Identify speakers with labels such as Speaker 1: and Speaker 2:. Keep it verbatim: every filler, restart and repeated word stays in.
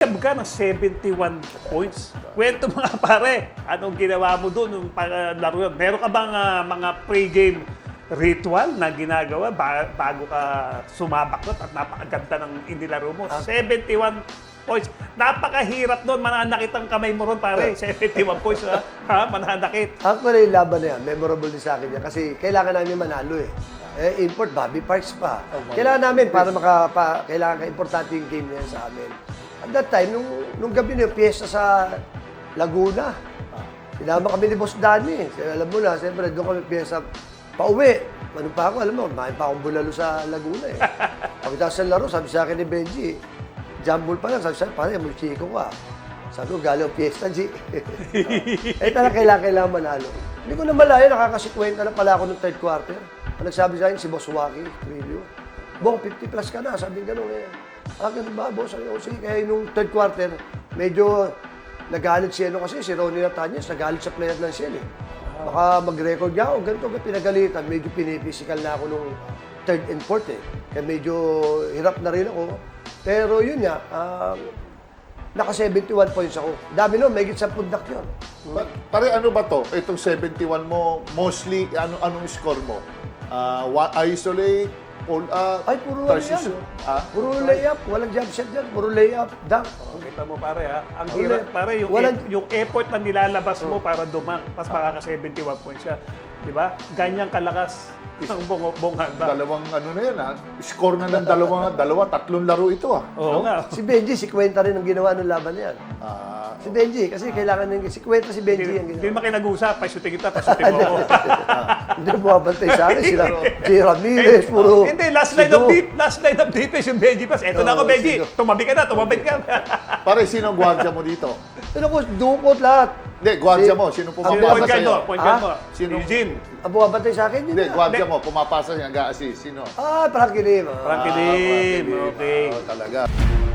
Speaker 1: Nag-deserve ka ng seventy-one points. Kwento mga pare, anong ginawa mo doon nung para laro yun? Meron ka bang ah, mga pre-game ritual na ginagawa ba- bago ka sumabak doon at napakaganda ng inilaro mo? seventy-one points. Napakahirap doon. Mananakit ang kamay mo ron, pare. seventy-one points, ha? Ha? Mananakit.
Speaker 2: Actually, yung laban na yan, memorable din sa akin yan. Kasi kailangan namin manalo eh. Eh, import, Bobby Parks pa. Kailangan namin para maka, pa, kailangan ka-importante yung game na yan sa amin. At that time, nung, nung gabi na yung piyesta sa Laguna, sinama kami ni Boss Danny. Alam mo na, siyempre, doon kami piyesta pauwi. Ano pa ako, alam mo, mahin pa akong bulalo sa Laguna eh. Pagkatapos sa laro, sabi sa akin ni Benji, jambol pa lang, sabi sa akin, pare, mo chiko ka. Sabi ko, galing piyesta, G. Eh, talaga kailangan, kailangan manalo. Hindi ko na malaya, nakakasikwenta na pala ako ng third quarter. Ang nagsabi sa akin, si Boss Waki, Trillo. Bong, fifty plus ka na, sabi gano'n eh. Ah, ganun ba, boss? Sabi ko, sige, kaya nung third quarter, medyo nagalit si ano kasi, si Ronnie Natanyas, nagalit sa player ng Shell eh. Baka mag-record niya ako, ganito, pinagalitan. Medyo pinipisikal na ako nung third and fourth eh. Kaya medyo hirap na rin ako. Pero yun nga, um, naka seventy-one points ako. Dami nun, may git sa pundak yun.
Speaker 3: Pa- pare, ano ba to? Itong seventy-one mo, mostly, ano anong score mo? Uh, isolate, pull up,
Speaker 2: Ay, puro
Speaker 3: transition?
Speaker 2: layup.
Speaker 3: Ah?
Speaker 2: Puro layup. Walang jump shot dyan. Puro layup. Dunk.
Speaker 1: Kita mo, pare, ha? Ang
Speaker 2: Wala.
Speaker 1: hirap, pare, yung,
Speaker 2: Walang-
Speaker 1: e- yung effort na nilalabas mo para dumang, pas makaka seventy-one points siya. Di ba? Ganyang kalakas ng bong bonghanda.
Speaker 3: Dalawang ano na yan, ha? Score na ng dalawa, dalawa, tatlong laro ito, ha?
Speaker 1: Oo nga.
Speaker 2: Si Benji, si Kwenta rin ang ginawa ng laban na yan.
Speaker 3: Ah,
Speaker 2: Si Benji, kasi kailangan ng si Kwenta, si Benji ang
Speaker 1: Hindi
Speaker 2: ginawa.
Speaker 1: naman kayo nag-uusap, pasutin kita, pasutin mo ako.
Speaker 2: Hindi na bumabantay sa akin. Sila, si Ramirez, puro.
Speaker 1: Hindi, last line of deep, last line of defense yung Benji Pass. Eto na ako,
Speaker 2: Oo,
Speaker 1: Benji.
Speaker 2: sino?
Speaker 1: Tumabi ka na, tumabit ka.
Speaker 3: pare, sino ang gwardiya mo dito?
Speaker 2: Ano ko, dukot lahat.
Speaker 3: Hindi, gwardiya
Speaker 2: Si-
Speaker 3: mo. Sino
Speaker 1: Sino
Speaker 3: pumapasa
Speaker 1: point guard mo?
Speaker 3: sa'yo?
Speaker 1: Point guard
Speaker 2: Ah?
Speaker 1: mo.
Speaker 3: Sino?
Speaker 1: Eugene.
Speaker 2: Ang bumabantay sa akin, yun
Speaker 3: Hindi,
Speaker 2: na.
Speaker 3: gwardiya mo. Pumapasa niya, nag-a-assist. Sino?
Speaker 2: Ah, Frankie Lim. ah.
Speaker 1: Frankie
Speaker 3: Ah,
Speaker 1: Lim.
Speaker 3: Frankie Lim.
Speaker 1: Okay.
Speaker 3: Ah, talaga.